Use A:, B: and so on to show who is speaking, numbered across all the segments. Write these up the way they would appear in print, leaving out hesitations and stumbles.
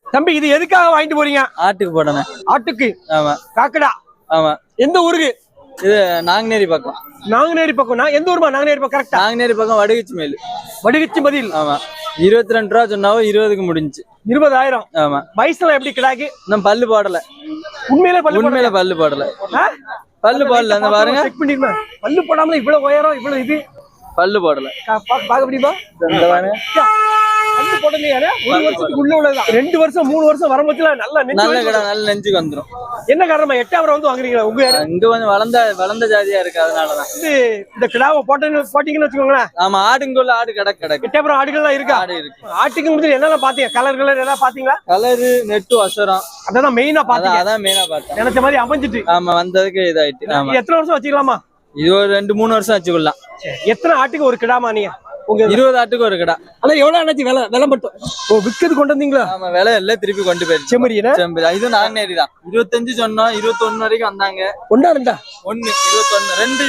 A: தம்பி இது எதுக்காக வாங்கிட்டு போறீங்க?
B: ஆட்டுக்கு போடணும்.
A: ஆட்டுக்கு?
B: ஆமா.
A: காக்கடா?
B: ஆமா.
A: எந்த ஊருக்கு?
B: இது நாங்குநேரி பக்கம்.
A: நாங்குநேரி பக்கம். நான் எந்த ஊருமா? நாங்குநேரி பக்கம் கரெக்டா?
B: நாங்குநேரி பக்கம் வடுகுச்சி மேல்.
A: வடுகுச்சி பதில்.
B: ஆமா. 22 ரூபா சொன்னாவோ 20க்கு முடிஞ்சு.
A: 20,000.
B: ஆமா.
A: வயசுல எப்படி கிடாக்கு?
B: இன்னும் பல்லு போடல.
A: உண்மையிலே பல்லு
B: போடல. பல்லு போடல. அந்த பாருங்க.
A: செக் பண்ணிருமா? பல்லு போடாமல இவ்வளவு உயரம் இவ்வளவு இது
B: பல்லு போடல.
A: பாக்க முடியுமா?
B: இந்த பாருங்க.
A: பல்லு போடலையா? ஒரு வருஷத்துக்கு உள்ள உள்ளதான். 2 வருஷம் 3 வருஷம் வரும்போதுல நல்ல
B: கடை நல்ல நெஞ்சுக்கு வந்துரும்.
A: என்ன காரணமா 8ஆவது வந்து வாங்குறீங்களா? உங்க
B: இங்க கொஞ்சம் வளர்ந்த ஜாதியா இருக்கு, அதனாலதான்.
A: இந்த கிடாவை போட்டீங்கன்னு வச்சுக்கோங்களேன்.
B: ஆமா. ஆடுங்குள்ள ஆடு கிடக்கு.
A: 8ஆவது ஆடுகள்லாம் இருக்கா?
B: ஆடு இருக்கு.
A: ஆட்டுக்கு முடிஞ்சு என்னெல்லாம் பாத்தீங்க? கலர் ஏதாவது பாத்தீங்களா?
B: கலரு நெட்டு வசரம்
A: அதான் மெயினா பாத்தீங்க.
B: அதான் மெயினா பார்த்தேன்.
A: நினைச்ச மாதிரி அமைஞ்சிட்டு.
B: ஆமா. வந்ததுக்கு இதாயிட்டு. ஆமா.
A: எத்தனை வருஷம் வச்சுக்கலாமா?
B: இது ஒரு 2-3 வருஷம் வச்சுக்கலாம்.
A: எத்தனை ஆட்டுக்கு ஒரு கிடாமா நீங்க? உங்க
B: 20 ஆட்டுக்கு ஒரு கடை.
A: ஆனா எவ்வளவு ஆச்சு விலை மட்டும்? விற்கிறது கொண்டு வந்தீங்களா?
B: ஆமா. விலை எல்லாம் திருப்பி கொண்டு போயிடுச்சு. செம்மறி இது நாங்குநேரி தான். 25 சொன்னோம். 21 வரைக்கும் வந்தாங்க.
A: 1 2
B: 1 21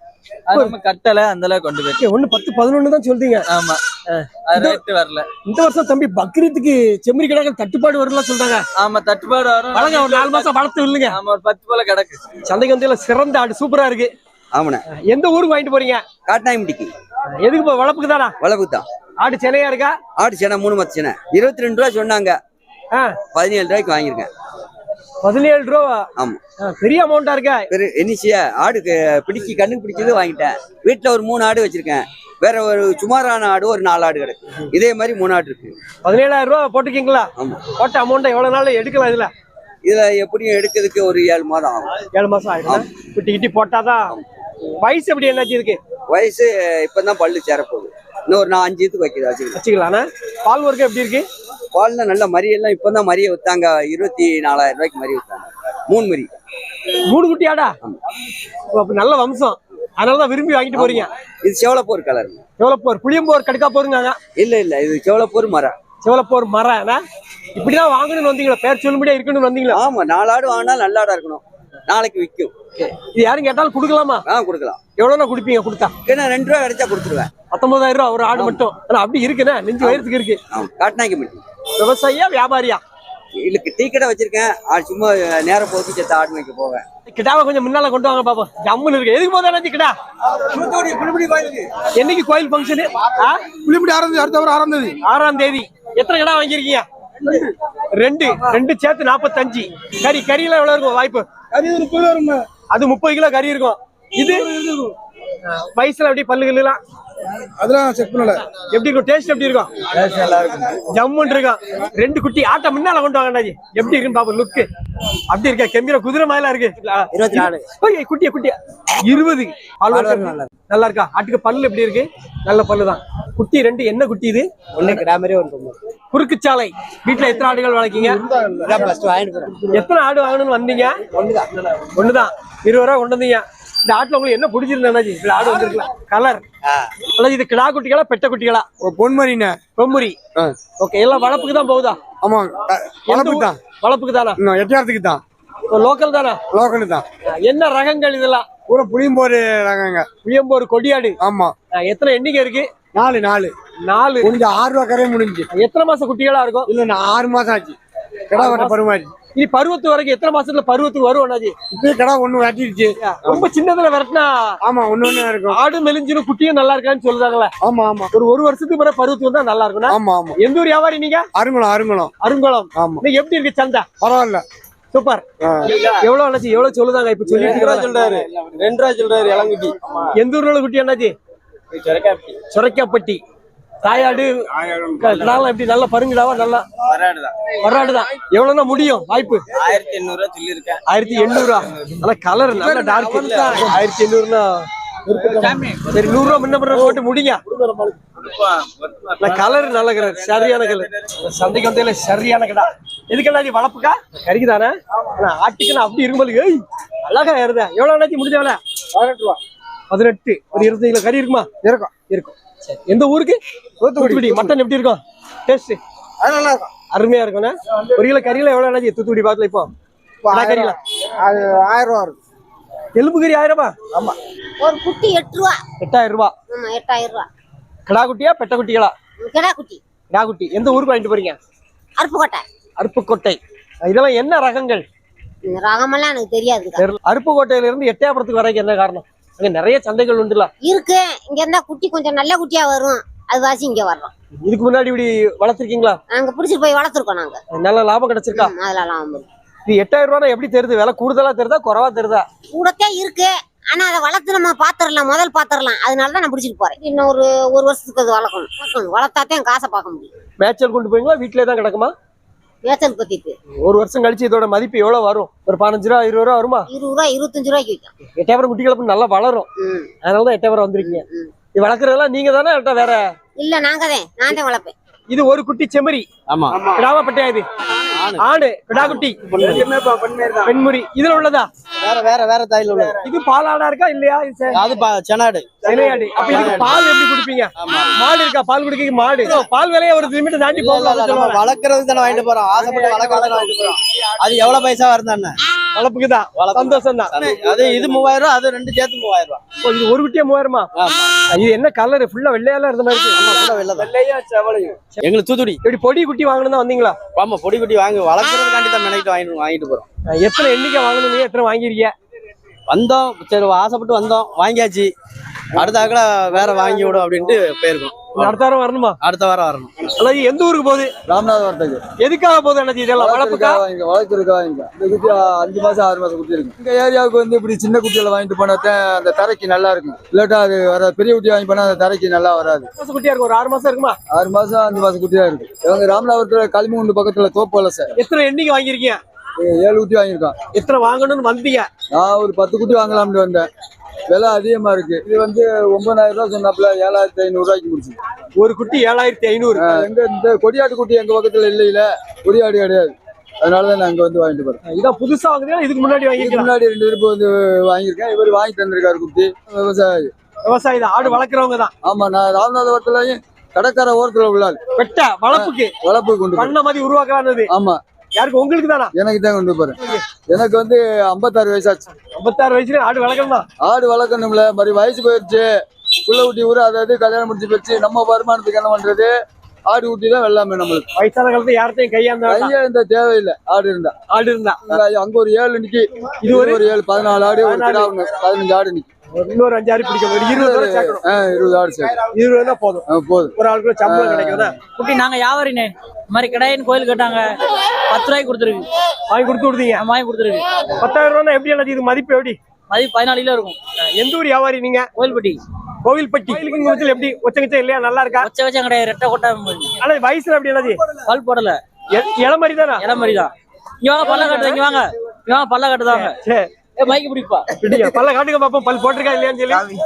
B: 2 கட்டல அந்த அளவுக்கு கொண்டு போயிடுச்சு.
A: 1 10 11 தான் சொல்றீங்க.
B: ஆமா. ரேட் வரல.
A: இந்த வருஷம் தம்பி பக்ரீத்துக்கு செம்மறி கிடாக்கள் தட்டுப்பாடு வரும்ல சொல்றாங்க.
B: ஆமா. தட்டுப்பாடு வரும்.
A: வளங்க ஒரு 4 மாசம் வளர்த்து இல்லைங்க.
B: ஆமா. ஒரு 10 போல கிடக்கு.
A: சந்தைக்கு வந்து சிறந்த ஆடு சூப்பரா இருக்கு.
C: ஆமாண்ணே.
A: எந்த ஊருக்கு வாங்கிட்டு போறீங்க?
C: காட்டாயம்பட்டிக்கு.
A: எதுக்கு போ? வளப்புக்கு தானா?
C: வளப்புக்கு தான்.
A: ஆடு சென்னையா இருக்கா?
C: ஆடு சென்னை 3 மத்த சென்னை. 22 ரூபா சொன்னாங்க. 17 ரூபாய்க்கு வாங்கியிருக்கேன்.
A: 17 ரூபா?
C: ஆமா.
A: பெரிய அமௌண்டா இருக்கா?
C: என்னச்சியா ஆடுக்கு கண்ணுக்கு பிடிச்சது வாங்கிட்டேன். வீட்டுல ஒரு 3 ஆடு வச்சிருக்கேன். வேற ஒரு சுமாரான ஆடு ஒரு 4 ஆடு கிடக்கு. இதே மாதிரி 3 ஆடு இருக்கு.
A: 17,000 ரூபா போட்டுக்கீங்களா?
C: ஆமா.
A: போட்ட அமௌண்ட் எவ்வளவு நாள் எடுக்கலாம்?
C: இதுல எப்படியும் எடுக்கிறதுக்கு ஒரு 7 மாதம் ஆகும்.
A: 7 மாசம் ஆயிடும். குட்டி போட்டாதான். வயசு எப்படி என்னாச்சு இருக்கு?
C: வயசு இப்பதான் பல்லு சேரப்போகுது. இன்னும் ஒரு 5 இதுக்கு வச்சுக்கலாம்.
A: பால் வர்க்கம் எப்படி இருக்கு?
C: பால்ல நல்ல மரியெல்லாம் இப்பதான் மரிய வித்தாங்க. 24,000 ரூபாய்க்கு மரிய வித்தாங்க. 3 மரி.
A: 3 குட்டி ஆடா? நல்ல வம்சம். அதனாலதான் விரும்பி வாங்கிட்டு போறீங்க.
C: இது செவலப்போர் கலர்.
A: செவலப்போர் புளியம்போர் கடுக்கா போருங்க?
C: இல்ல இது செவலப்போர் மரம்.
A: செவலப்போர் மரம். இப்படிதான் வாங்கணும்னு வந்தீங்களா? பேர் சொல்லும்படியா இருக்கணும்னு வந்தீங்களா?
C: ஆமா. 4 ஆடு வாங்கினா நல்ல ஆடா இருக்கணும். நாளைக்கு விற்கும்.
A: இது யாரும் கேட்டாலும் கொடுக்கலாமா?
C: கொடுக்கலாம்.
A: எவ்வளவு கொடுப்பீங்க? கொடுத்தா
C: 2 ரூபா கிடைச்சா கொடுத்துருவேன்.
A: 19,000 ரூபா ஒரு ஆடு மட்டும். அப்படி இருக்குண்ணே. நெஞ்சு வயிறதுக்கு இருக்கு.
C: காட்டினாங்க.
A: விவசாயியா வியாபாரியா?
C: இல்ல டீ கடை வச்சிருக்கேன். சும்மா நேரம் போக்கு செத்த ஆடு மேய்க்க போவேன்.
A: கிடாவை கொஞ்சம் முன்னால கொண்டு வாங்க பாப்போம். ஜம்முன்னு இருக்கு. எதுக்கு போதா கிடா? என்னைக்கு கோயில் ஃபங்க்ஷனு?
D: புளிமுடி அடுத்த வாரம் 6ஆம் தேதி.
A: 6ஆம் தேதி. எத்தனை கிடா வாங்கிருக்கீங்க? 2 சேர்த்து 45. கறியெல்லாம் எவ்வளவு இருக்கும் வாய்ப்பு? அது 30 கிலோ கறி இருக்கும். இது வயசுல எப்படி பல்லுகள் எல்லாம்
D: அதெல்லாம் செக் பண்ணல.
A: எப்படி இருக்கும்? டேஸ்ட் எப்படி இருக்கும்? ஜம்முன்னு இருக்கும். 2 குட்டி ஆட்டை முன்னால கொண்டு வாங்க. எப்படி இருக்குன்னு பாப்போம். லுக்கு அப்படி இருக்கா? கெம்பீர குதிரை மாதிரிலாம் இருக்கு. 24 குட்டியா 20 நல்லா இருக்கா? ஆட்டுக்கு பல்லு எப்படி இருக்கு? நல்ல பல்லுதான். குட்டி 2 என்ன குட்டி இது? குறுக்குச்சாலை. வீட்டுல எத்தனை ஆடுகள் வளர்க்கீங்க? எத்தனை ஆடு வாங்கணும்னு வந்தீங்க? ஒண்ணுதான். 20 ரூபா கொண்டு வந்தீங்க. இந்த ஆட்டுல உங்களுக்கு என்ன பிடிச்சிருந்தாச்சு? இப்ப ஆடு வந்திருக்கலாம். கலர் இது கிடா குட்டிகளா பெட்ட குட்டிகளா?
D: பொன்மரிண்ண.
A: பொன்முரி. ஓகே. எல்லாம் வளப்புக்கு தான் போகுதா?
D: ஆமா. வளப்புக்கு தான்.
A: வளப்புக்கு தானா?
D: எட்டியாரத்துக்கு தான்.
A: லோக்கல் தானா?
D: லோக்கல் தான்.
A: என்ன ரகங்கள் இதெல்லாம்?
D: பூரா புளியம்போர் ரகங்க.
A: புளியம்போர் கொடியாடு.
D: ஆமா.
A: எத்தனை எண்ணிக்கை இருக்கு? 4
D: கொஞ்சம் 6 ரூபா கரையை முடிஞ்சு.
A: எத்தனை மாசம் குட்டிகளா இருக்கும்?
D: இல்ல 6 மாசம் ஆச்சு. கடா வர பருமாறி.
A: நீ பருவத்து வரைக்கும் எத்தனை மாசத்துல பருவத்துக்கு வரும்?
D: இப்பயே கடா 1 வெட்டிடுச்சு.
A: ரொம்ப சின்னதுல விரட்டினா?
D: ஆமா. ஒண்ணு இருக்கும்.
A: ஆடு மெலிஞ்சிரும் குட்டியும் நல்லா இருக்கான்னு சொல்றாங்களே.
D: ஆமா.
A: ஒரு வருஷத்துக்கு பிறகு பருவத்துக்கு வந்தா நல்லா இருக்கும்.
D: ஆமா.
A: எந்த ஊர் வியாபாரி நீங்க? அருங்குளம்.
D: ஆமா.
A: நீங்க எப்படி இருக்கு சந்தை?
D: பரவாயில்ல.
A: சூப்பர். எவ்வளவு அண்ணாச்சி? எவ்வளவு சொல்லுதாங்க இப்ப? சொல்லிட்டு
B: சொல்றாரு. 2 ரூபா சொல்றாரு. இளங்குட்டி.
A: எந்த ஊர்ல குட்டி அண்ணாச்சி? சொரைக்காப்பட்டி. தாயாடு எப்படி? நல்ல பருங்கிடாவா? நல்லா வராடுதான். எவ்வளவுனா முடியும் வாய்ப்பு?
B: 1800 சொல்லிருக்கேன்.
A: 1800. ஆனா கலர் நல்ல டார்க். 1800னா சரி 100 ரூபா முன்ன போட்டு முடிங்க. கலர் நல்ல கலர். சரியான கலர். சந்தைக்கு வந்ததுல சரியான கடா. எதுக்கெல்லாம் வளப்புக்கா? கறிக்கு தானே? ஆட்டுக்குன்னு அப்படி இருக்கும்போது அழகா ஏறுதா? எவ்வளவு அண்ணாச்சி முடிஞ்சவள? 18 ரூபா. 18. ஒரு 25 கிலோ கறி இருக்குமா? இருக்கும். எந்த ஊருக்கு? தூத்துக்குடி. மட்டன் எப்படி இருக்கும்? டேஸ்ட்
D: நல்லா இருக்கும்.
A: அருமையா இருக்கும். 1 கிலோ கறியில எவ்வளவு அண்ணாச்சி தூத்துக்குடி பாத்துல? இப்போ கறியில
D: அது 1000 ரூபா இருக்கும்.
A: எலும்பு கறி 1000?
D: ஆமா.
E: ஒரு குட்டி 8 ரூபா.
A: 8000 ரூபா.
E: 8000 ரூபா.
A: கடா குட்டியா பெட்ட குட்டிகளா?
E: கிடா குட்டி.
A: கடா குட்டி. எந்த ஊருக்கு வாங்கிட்டு போறீங்க?
E: அருப்புக்கோட்டை.
A: அருப்புக்கோட்டை. இதெல்லாம் என்ன ரகங்கள்?
E: இந்த ரகமெல்லாம் எனக்கு தெரியாதுக்கா.
A: தெரியல. அருப்புக்கோட்டையில இருந்து எட்டயபுரத்துக்கு வரைக்கும் என்ன காரணம்? அங்க நிறைய சந்தைகள் உண்டுல.
E: இருக்கு. இங்க இருந்தா குட்டி கொஞ்சம் நல்ல குட்டியா வரும், அது வாசி இங்க வர்றோம்.
A: இதுக்கு முன்னாடி இப்படி வளர்த்திருக்கீங்களா?
E: நாங்க பிடிச்சிட்டு போய் வளர்த்துருக்கோம் நாங்க.
A: நல்ல லாபம் கிடைச்சிருக்கா?
E: அதெல்லாம்
A: இது 8000 ரூபா எப்படி தெரியுது? விலை கூடுதலா தெரியுதா குறைவா தெரியுதா?
E: கூடத்தே இருக்கு. ஆனா அதை வளர்த்து நம்ம பாத்திரலாம், முதல் பாத்திரலாம். அதனாலதான் நான் பிடிச்சிட்டு போறேன். இன்னும் ஒரு வருஷத்துக்கு அது வளர்க்கணும். வளர்த்தாதான் காசை பார்க்க முடியும்.
A: மேய்ச்சல் கொண்டு போவீங்களா வீட்டிலே தான் கிடக்குமா?
E: மேய்ச்சல் பத்திட்டு
A: ஒரு வருஷம் கழிச்சு இதோட மதிப்பு எவ்வளவு வரும்? ஒரு 15 ரூபா 20 ரூபா வருமா?
E: 20 ரூபா 25 ரூபாய்க்கு விற்கும்.
A: எட்டயபுரம் குட்டி கிளப்பு நல்லா வளரும். அதனாலதான் எட்டயபுரம் வந்திருக்கீங்க. இது வளர்க்கறதெல்லாம் நீங்க தானே வேற?
E: இல்ல நான் தான் வளர்ப்பேன்.
A: இது ஒரு குட்டி செம்மறி.
B: ஆமா.
A: கிடாவா பட்டையா? இது ஆடு கிடா குட்டி பெண்முறி. இதுல உள்ளதா?
B: வேற தாயில உள்ள.
A: இது பாலாடா இருக்கா இல்லையா?
B: அது செனாடு.
A: சென்னையாடு. அப்ப இதுக்கு பால் எப்படி குடிப்பீங்க? மாடு இருக்கா பால் குடிக்க? மாடு பால் விலையை ஒரு லிமிட் தாண்டி போகலாம்.
B: வளர்க்கறதுக்கு தானே வாங்கிட்டு போறோம். ஆசைப்பட்டு வளர்க்கறதுக்கு வாங்கிட்டு போறோம். அது எவ்வளவு பைசா வருதானே?
A: வளர்ப்புக்குதான். சந்தோஷம் தான்.
B: அது இது 3000 ரூபா, அது ரெண்டு சேர்த்து 3000 ரூபா.
A: இது ஒரு குட்டியா 3000மா? இது என்ன கலர்? ஃபுல்லா வெள்ளையால இருந்த மாதிரி இருக்கு.
B: வெள்ளையா செவலையும். எங்களுக்கு தூத்துடி.
A: இப்படி பொடி குட்டி வாங்கணும் தான் வந்தீங்களா?
B: ஆமா, பொடி குட்டி வாங்கி வளர்க்கறதுக்காண்டி தான் மெனக்கிட்டு வாங்கிட்டு போறோம்.
A: எத்தனை எண்ணிக்கை வாங்கணும்? எத்தனை வாங்கிருக்கீங்க?
B: வந்தோம், சரி ஆசைப்பட்டு வந்தோம், வாங்கியாச்சு. அடுத்தாக்கல வேற வாங்கி விடும் அப்படின்ட்டு போயிருக்கோம்.
A: அடுத்த வாரம் வரணுமா?
B: அடுத்த வாரம் வரணும்.
A: அல்லது எந்த ஊருக்கு போகுது?
B: ராமநாதபுரத்துக்கு.
A: எதுக்காக போகுது அண்ணாச்சி? இதெல்லாம் வளர்ப்புக்கா?
B: வளர்த்துருக்கா? இந்த குட்டி 5 மாசம் 6 மாசம் குட்டி இருக்கு. இந்த ஏரியாவுக்கு வந்து இப்படி சின்ன குட்டியில வாங்கிட்டு போனாதான் அந்த தரைக்கு நல்லா இருக்கும். இல்லாட்டா அது வர பெரிய குட்டி வாங்கி போனா அந்த தரைக்கு நல்லா வராது.
A: குட்டியா இருக்கும். ஒரு 6 மாசம் இருக்குமா?
B: 6 மாசம் 5 மாசம் குட்டியா இருக்கு. இவங்க ராமநாதபுரத்துல களிமூண்டு பக்கத்துல தோப்பு சார்.
A: எத்தனை எண்ணிக்கை வாங்கிருக்கீங்க?
B: 7 குட்டி வாங்கியிருக்கான்.
A: எத்தனை வாங்கணும்னு வந்தீங்க?
B: நான் ஒரு 10 குட்டி வாங்கலாம்னு வந்தேன். விலை அதிகமா இருக்கு. இது வந்து 9000 ரூபாய் சொன்னாப்புல 7500 ரூபாய்க்கு முடிச்சு.
A: ஒரு குட்டி 7500.
B: எங்க இந்த கொடியாட்டு குட்டி எங்க பக்கத்துல இல்ல, கொடியாடு கிடையாது. அதனாலதான் நான் அங்க வந்து வாங்கிட்டு போறேன்.
A: இதான் புதுசா வாங்குறீங்களா? இதுக்கு முன்னாடி வாங்கிருக்கீங்க?
B: முன்னாடி 2 பேருக்கு வந்து வாங்கியிருக்கேன். இவர் வாங்கி தந்திருக்காரு குட்டி.
A: விவசாயி தான், ஆடு வளர்க்குறவங்க தான்.
B: ஆமா, நான் ராமநாதபுரத்துலயும் கடற்கரை ஓரத்துல உள்ளாரு.
A: வெட்ட வளர்ப்பு கொண்டு பண்ண மாதிரி உருவாக்கலான்னு.
B: ஆமா.
A: யாருக்கு? உங்களுக்கு தானா?
B: எனக்கு தான் கொண்டு போறேன். எனக்கு வந்து 56 வயசாச்சு.
A: 56 வயசுல ஆடு வளர்க்கணுமா?
B: ஆடு வளர்க்கணும்ல, மாதிரி வயசு போயிடுச்சு. புள்ள குட்டி ஊரு அதாவது கல்யாணம் முடிச்சு போச்சு. நம்ம வருமானத்துக்கு என்ன பண்றது? ஆடு குட்டி தான் வெள்ளாமே நம்மளுக்கு.
A: வயசான காலத்துல யார்த்தையும்
B: கையா தேவையில்லை. ஆடு இருந்தா அங்க ஒரு 7 நிக்கி. இது ஒரு 7 14 ஆடு, ஒரு கிடா 15 ஆடு நிக்கி.
A: இன்னொரு 5 ஆடு பிடிக்கும். 20 ஆடு சேர்க்கணும்.
B: 20 ஆடு சேர்க்கணும்.
A: 20 தான் போதும். ஒரு ஆளுக்குள்ள சம்பளம் கிடைக்கும்.
F: குட்டி நாங்க வியாபாரினே. இந்த மாதிரி கடையின் கோயில் கேட்டாங்க, 10 ரூபாய்க்கு கொடுத்துருக்கு.
A: வாங்கி கொடுத்தீங்க?
F: வாங்கி கொடுத்துருக்கு.
A: 10,000 ரூபா எப்படி அண்ணாச்சி? இது மதிப்பு எப்படி?
F: மதிப்பு 14 கிலோ இருக்கும்.
A: எந்த ஊர் வியாபாரி நீங்க?
F: கோயில்பட்டி.
A: கோவில்பட்டி. கோயிலுக்கு எப்படி ஒச்சங்கச்சா இல்லையா? நல்லா இருக்கா?
F: வச்சம் கிடையாது, ரெட்டை கொட்டை.
A: ஆனா வயசுல எப்படி அண்ணாச்சி?
F: பல் போடல,
A: இளமரி தானா?
F: இளமரி தான். இங்க வாங்க, பல்ல காட்டுது. இங்க வாங்க, பல்ல காட்டுதாங்க.
A: சரி,
F: மைக்கு பிடிப்பா.
A: பல்ல காட்டுங்க பாப்போம். பல் போட்டிருக்கா இல்லையான்னு சொல்லி.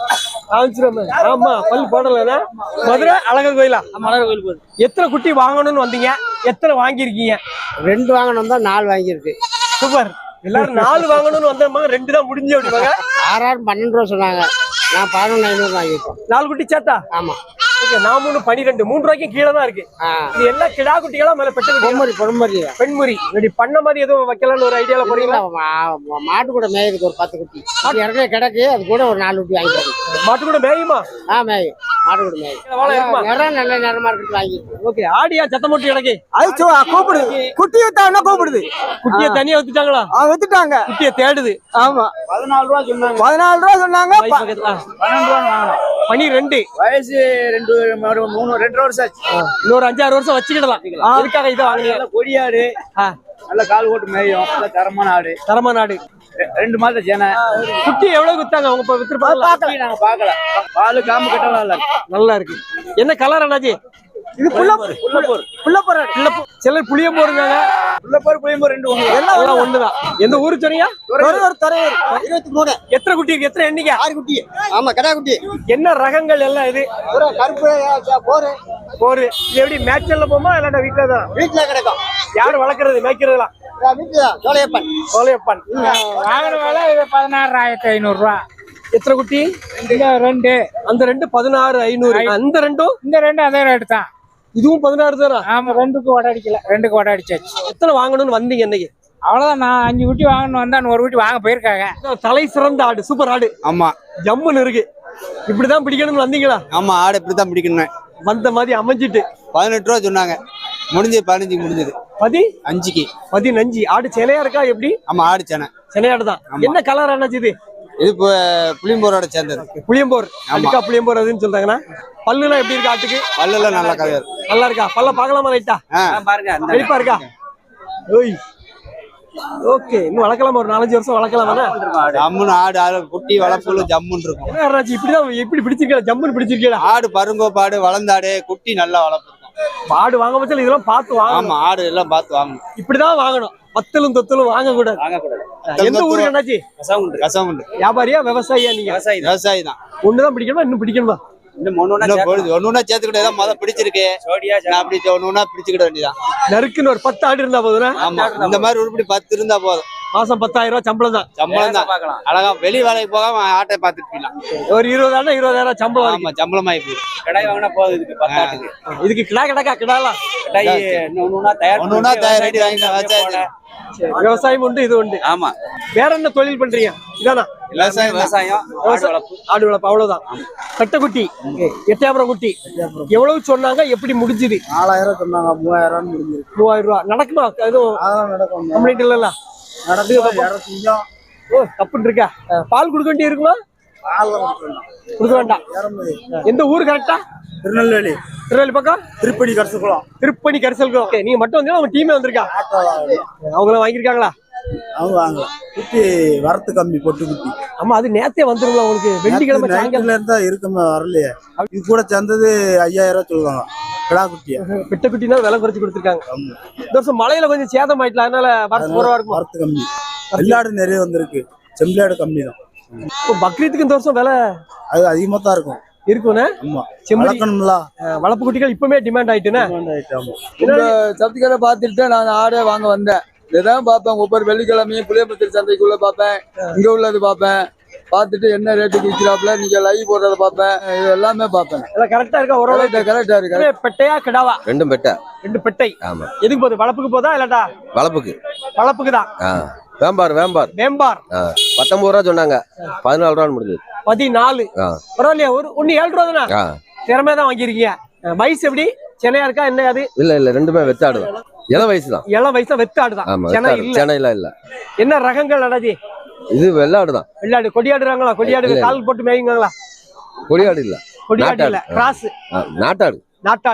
A: ஆமா, பல் போடல. மதுரை அழகர் கோயிலா?
F: மலர் கோயில் போகுது.
A: எத்தனை குட்டி வாங்கணும்னு வந்தீங்க? எத்தனை வாங்கிருக்கீங்க?
D: 2 வாங்கணும் தான் 4 வாங்கியிருக்கு.
A: சூப்பர். எல்லாரும் 4 வாங்கணும்னு வந்தாங்க, 2 தான் முடிஞ்சு அப்படிவாங்க.
D: 6 12 ரூபா சொன்னாங்க. நான் 11,500 வாங்கியிருக்கோம்.
A: 4 குட்டி சேர்த்தா?
D: ஆமா.
A: நான் 3 12 3 ரூபாய்க்கு கீழே தான் இருக்கு. இது எல்லாம் கிடா குட்டிகளா மேல பெட்ட
D: பொறுமரி
A: பெண்முறி. இப்படி பண்ண மாதிரி எதுவும் வைக்கலாம்னு ஒரு ஐடியால போறீங்களா?
D: மாட்டு கூட மேயுதுக்கு ஒரு 10 குட்டி இறக்க கிடக்கு. அது கூட ஒரு 4 குட்டி வாங்கிட்டு.
A: மாட்டு கூட மேயுமா?
D: மேயும். மாட்டு கூட மேயும். நிறம் நல்ல நிறமா இருக்கு வாங்கி.
A: ஓகே. ஆடியா சத்தம் போட்டு கிடக்கு?
D: அது கூப்பிடுது. குட்டி வித்தாங்கன்னா கூப்பிடுது.
A: குட்டியை தனியா வித்துட்டாங்களா?
D: வித்துட்டாங்க.
A: குட்டியை தேடுது.
D: ஆமா.
B: 14 ரூபா சொன்னாங்க.
D: 14 ரூபா சொன்னாங்க.
B: 12 ரூபா வாங்கணும்.
A: 12.
B: வயசு 2 வருஷம் ஆச்சு.
A: இன்னொரு 5-6 வருஷம் வச்சுக்கிடலாம். அதுக்காக இதை வாங்கினீங்க?
B: கொடியாடு, நல்ல கால் ஓட்டு மேயும், நல்ல தரமான ஆடு. 2 மாதம் சேனை.
A: குட்டி எவ்வளவு வித்தாங்க அவங்க? வித்துருப்பாங்க.
B: நாங்க பாக்கல. பால் காம்பு கட்டலாம்
A: நல்லா இருக்கு. என்ன கலர் அண்ணாச்சி?
D: இது புள்ளப்போர்.
A: சிலர் புளியம்போருங்க.
B: புளியம்போர் 2 ஒண்ணு.
A: எல்லாம் ஒண்ணுதான். எந்த ஊரு சொன்னீங்க?
D: 23.
A: எத்தனை குட்டி இருக்கு? எத்தனை எண்ணிக்கை?
D: 6 குட்டி. ஆமா, கடா குட்டி.
A: என்ன ரகங்கள் எல்லாம் இது?
D: ஒரு கருப்பு
A: போரு. இது எப்படி மேட்ச்ல போமா இல்லாட்டா வீட்டுல தான்?
D: வீட்டுல கிடக்கும்.
A: யாரு வளர்க்கறது மேய்க்கிறதுலாம்? சோலையப்பன்.
F: வாங்கின வேலை 16,500 ரூபா.
A: எத்தனை குட்டி?
F: 2.
A: அந்த 2 16,500. அந்த 2
F: இந்த 2 அதே ரேட்டு தான்.
A: இதுவும் 16 தானா?
F: ஆமா, 2க்கு வடை அடிக்கல. 2க்கு வடை அடிச்சாச்சு.
A: எத்தனை வாங்கணும்னு வந்தீங்க இன்னைக்கு?
F: அவ்வளவுதான். நான் 5 குட்டி வாங்கணும் வந்தா 1 குட்டி வாங்க போயிருக்காங்க.
A: தலை சிறந்த ஆடு, சூப்பர் ஆடு.
C: ஆமா,
A: ஜம்முன்னு இருக்கு. இப்படிதான் பிடிக்கணும்னு வந்தீங்களா?
C: ஆமா, ஆடு இப்படித்தான் பிடிக்கணும்.
A: வந்த மாதிரி அமைஞ்சிட்டு
C: 18 ரூபா சொன்னாங்க.
G: முடிஞ்சது 15 முடிஞ்சது 5க்கு
A: 15 ஆடு சிலையா இருக்கா எப்படி?
G: ஆமா ஆடு சேனை
A: சிலையாடு தான். என்ன கலர் அண்ணாச்சி இது?
G: இது புளியம்போரோட சேர்ந்தது.
A: புளியம்போர். அதுக்கா புளியம்போர் அதுன்னு சொல்றாங்கன்னா பல்லுலாம் எப்படி இருக்கா ஆட்டுக்கு?
G: பல்லெல்லாம் நல்லா கலர்.
A: நல்லா இருக்கா? பல்ல பார்க்கலாமா லைட்டா?
C: பாருங்க
A: வெளிப்பா இருக்கா? ஓய் ஓகே, இன்னும் வளர்க்கலாமா? ஒரு 4-5 வருஷம் வளர்க்கலாமா?
G: ஜம்முன்னு ஆடு குட்டி வளர்ப்புல ஜம்முன்னு இருக்கும்.
A: என்ன அண்ணாச்சி இப்படிதான் எப்படி பிடிச்சிருக்கா? ஜம்முன்னு பிடிச்சிருக்கா?
G: ஆடு பருங்கோப்பாடு வளர்ந்தாடு குட்டி நல்லா வளர்ப்பு இருக்கும்.
A: ஆடு வாங்க பட்சம் இதெல்லாம் பார்த்து வாங்கணும்.
G: ஆமா ஆடு எல்லாம் பார்த்து வாங்கணும்.
A: இப்படிதான் வாங்கணும். வத்தலும் தொத்தலும் வாங்க கூடாது. எந்த ஊருக்கு அண்ணாச்சி?
G: கசவுண்டு.
A: வியாபாரியா விவசாயியா? நீங்க
G: விவசாயி தான்.
A: ஒண்ணுதான் பிடிக்கணுமா இன்னும் பிடிக்கணுமா?
G: ஒண்ணு சேர்த்துக்கிட்டே முத பிடிச்சிருக்கு. அப்படி ஒண்ணு பிடிச்சுக்கிட வேண்டியதான்.
A: நறுக்குன்னு ஒரு 10 ஆடு இருந்தா போதும்.
G: ஆமா இந்த மாதிரி உருப்படி 10 இருந்தா போதும்.
A: மாசம் 10,000 ரூபாய் சம்பளம் தான்.
G: அழகா வெளி வேலைக்கு போகாம ஆட்டை பார்த்துட்டு போயிடலாம்.
A: ஒரு 20,000 சம்பளம்.
G: ஆமா சம்பளம் ஆகி போயிடும்.
C: கடை வாங்கினா போதும். இதுக்கு 10 ஆட்டுக்கு.
A: இதுக்கு கிடா கிடாலாம்
C: ஒண்ணுனா
G: தயார் ரெடி வாங்கிட்டு
A: விவசாயம் உண்டு, இது உண்டு.
C: ஆமா.
A: வேற என்ன தொழில் பண்றீங்க? இதானா
C: விவசாயம்
A: ஆடு வளர்ப்பு அவ்வளவுதான். கட்டக்குட்டி எட்டயபுரம் குட்டி எவ்வளவு சொன்னாங்க? எப்படி முடிஞ்சுது?
B: 4000 சொன்னாங்க, 3000 முடிஞ்சிருக்கு.
A: 3000 ரூபாய் நடக்குமா? எதுவும்
B: நடக்கும்.
A: கம்ப்ளைண்ட் இல்ல? ஓ தப்புன்னு இருக்கா? பால் கொடுக்க வேண்டி இருக்குமா? கொடுக்க வேண்டாம். எந்த ஊரு கரெக்டா?
B: திருநெல்வேலி
A: பக்கம்
B: திருப்பணி கரிசல்குளம்.
A: திருப்பணி கரிசல்குளம். ஓகே, நீங்க மட்டும் வந்தீங்கன்னா உங்க டீமே வந்திருக்கா? அவங்களாம் வாங்கியிருக்காங்களா?
B: அவங்க வாங்கல. குட்டி வரத்து கம்மி பொட்டு குட்டி.
A: ஆமா அது நேத்தே வந்துருங்களா உங்களுக்கு? வெள்ளிக்கிழமை சாயங்காலம்
B: இருந்தா இருக்குமே வரலையே. இது கூட சேர்ந்தது 5000 சொல்லுவாங்க. கிடா குட்டியா
A: பெட்ட குட்டினா விலை குறைச்சு கொடுத்துருக்காங்க. இந்த வருஷம் மழையில கொஞ்சம் சேதம் ஆயிட்டலாம், அதனால வரத்து குறைவா இருக்கும்.
B: வரத்து கம்மி. வெள்ளாடு நிறைய வந்திருக்கு, செம்பிளாடு கம்மி தான்.
A: இப்போ பக்ரீத்துக்கு இந்த வருஷம் விலை
B: அது அதிகமா தான் இருக்கும்.
A: இருக்குண்ணே.
B: ஆமா
A: செம்மறி
B: வளர்ப்பு
A: குட்டிகள் இப்பவுமே டிமாண்ட் ஆயிட்டுண்ணே.
B: சத்துக்களை பார்த்துட்டு நான் ஆடே வாங்க வந்தேன். இதான் பார்ப்பேன். ஒவ்வொரு வெள்ளிக்கிழமையும் புளியம்புத்தூர் சந்தைக்குள்ள பார்ப்பேன், இங்க உள்ளது பார்ப்பேன். பார்த்துட்டு என்ன ரேட்டுக்கு விற்கிறாப்புல நீங்க லைவ் போடுறத பார்ப்பேன். இது எல்லாமே பார்ப்பேன்.
A: எல்லாம் கரெக்டா இருக்கா? ஓரளவு
B: கரெக்டா இருக்கு.
A: பெட்டையா கிடாவா?
H: ரெண்டும் பெட்டை.
A: 2 பெட்டை.
H: ஆமா.
A: எதுக்கு போகுது? வளப்புக்கு போதா இல்லாட்டா? வளப்புக்கு தான்.
H: வேம்பார் 19 ரூபா சொன்னாங்க, 14 ரூபான்னு முடிஞ்சது.
A: 14. பரவாயில்லையா? ஒன்னு 7 ரூபா தானே? திறமையா தான் வாங்கிருக்கீங்க. வயசு எப்படி? சென்னையா இருக்கா என்ன? அது
H: இல்ல ரெண்டுமே வெத்தாடு தான். இளம் வயசு தான்.
A: இளம் வயசு தான். வெத்தாடு தான்.
H: சென்னையில இல்ல.
A: என்ன ரகங்கள் அடாஜி?
H: இது வெள்ளாடு தான்.
A: வெள்ளாடு கொடியாடுறாங்களா? கொடியாடு கால் போட்டு மேயுங்களா?
H: கொடியாடு இல்ல,
A: கொடியாடு இல்ல, கிராஸ்
H: நாட்டாடு.